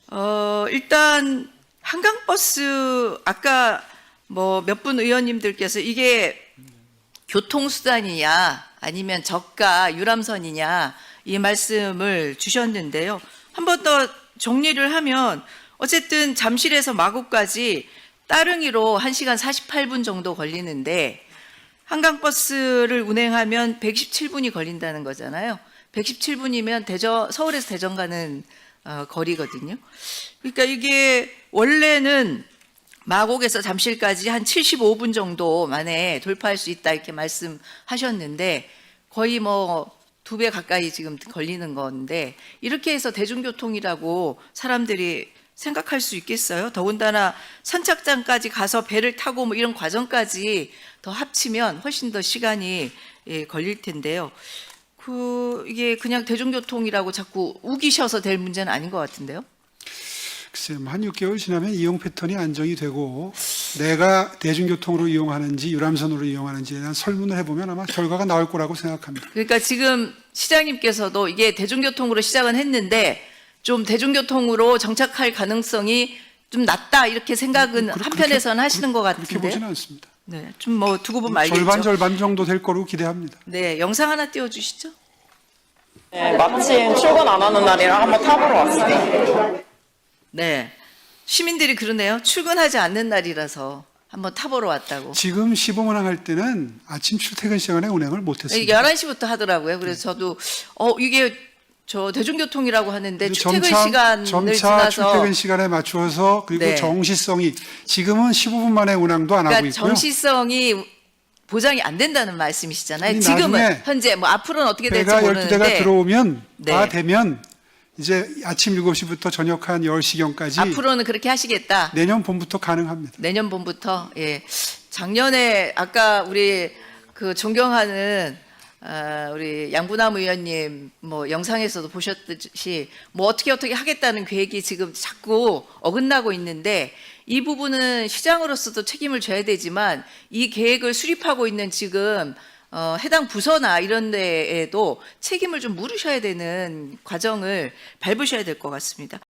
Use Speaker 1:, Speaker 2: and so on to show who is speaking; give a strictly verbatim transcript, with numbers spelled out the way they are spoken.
Speaker 1: 어, 일단 한강버스 아까 뭐 몇 분 의원님들께서 이게 교통수단이냐 아니면 저가 유람선이냐 이 말씀을 주셨는데요. 한 번 더 정리를 하면 어쨌든 잠실에서 마곡까지 따릉이로 한 시간 사십팔 분 정도 걸리는데 한강버스를 운행하면 백십칠 분이 걸린다는 거잖아요. 백십칠 분이면 대전, 서울에서 대전 가는 어, 거리거든요. 그러니까 이게 원래는 마곡에서 잠실까지 한 칠십오 분 정도 만에 돌파할 수 있다 이렇게 말씀하셨는데 거의 뭐 두 배 가까이 지금 걸리는 건데 이렇게 해서 대중교통이라고 사람들이 생각할 수 있겠어요? 더군다나 선착장까지 가서 배를 타고 뭐 이런 과정까지 더 합치면 훨씬 더 시간이 예, 걸릴 텐데요. 그 이게 그냥 대중교통이라고 자꾸 우기셔서 될 문제는 아닌 것 같은데요.
Speaker 2: 글쎄요, 한 육 개월 지나면 이용 패턴이 안정이 되고 내가 대중교통으로 이용하는지 유람선으로 이용하는지에 대한 설문을 해보면 아마 결과가 나올 거라고 생각합니다.
Speaker 1: 그러니까 지금 시장님께서도 이게 대중교통으로 시작은 했는데 좀 대중교통으로 정착할 가능성이 좀 낮다 이렇게 생각은
Speaker 2: 그, 그,
Speaker 1: 한편에서는
Speaker 2: 그렇게,
Speaker 1: 하시는 것
Speaker 2: 그렇게
Speaker 1: 같은데.
Speaker 2: 보지는 않습니다.
Speaker 1: 네, 좀 뭐 두고 보면 알겠죠.
Speaker 2: 절반 절반 정도 될 거로 기대합니다.
Speaker 1: 네, 영상 하나 띄워주시죠.
Speaker 3: 네, 마침 출근 안 하는 날이라 한번 타보러 왔어요.
Speaker 1: 네, 시민들이 그러네요. 출근하지 않는 날이라서 한번 타보러 왔다고.
Speaker 2: 지금 시범운항 할 때는 아침 출퇴근 시간에 운행을 못했습니다.
Speaker 1: 열한 시부터 하더라고요. 그래서 저도 어 이게 저 대중교통이라고 하는데 출퇴근
Speaker 2: 점차,
Speaker 1: 시간을
Speaker 2: 점차
Speaker 1: 지나서
Speaker 2: 출퇴근 시간에 맞추어서 그리고
Speaker 1: 네.
Speaker 2: 정시성이 지금은 십오 분 만에 운항도 안 하고
Speaker 1: 그러니까
Speaker 2: 있고요.
Speaker 1: 정시성이 보장이 안 된다는 말씀이시잖아요.
Speaker 2: 아니,
Speaker 1: 지금은
Speaker 2: 나중에
Speaker 1: 현재 뭐 앞으로는 어떻게 될지
Speaker 2: 배가 열두 대가
Speaker 1: 모르는데
Speaker 2: 들어오면
Speaker 1: 네.
Speaker 2: 다 되면 이제 아침 일곱 시부터 저녁 한 열 시경까지
Speaker 1: 앞으로는 그렇게 하시겠다.
Speaker 2: 내년 봄부터 가능합니다.
Speaker 1: 내년 봄부터. 예. 작년에 아까 우리 그 존경하는 아, 우리 양부남 의원님 뭐 영상에서도 보셨듯이 뭐 어떻게 어떻게 하겠다는 계획이 지금 자꾸 어긋나고 있는데 이 부분은 시장으로서도 책임을 져야 되지만 이 계획을 수립하고 있는 지금 어, 해당 부서나 이런 데에도 책임을 좀 물으셔야 되는 과정을 밟으셔야 될 것 같습니다.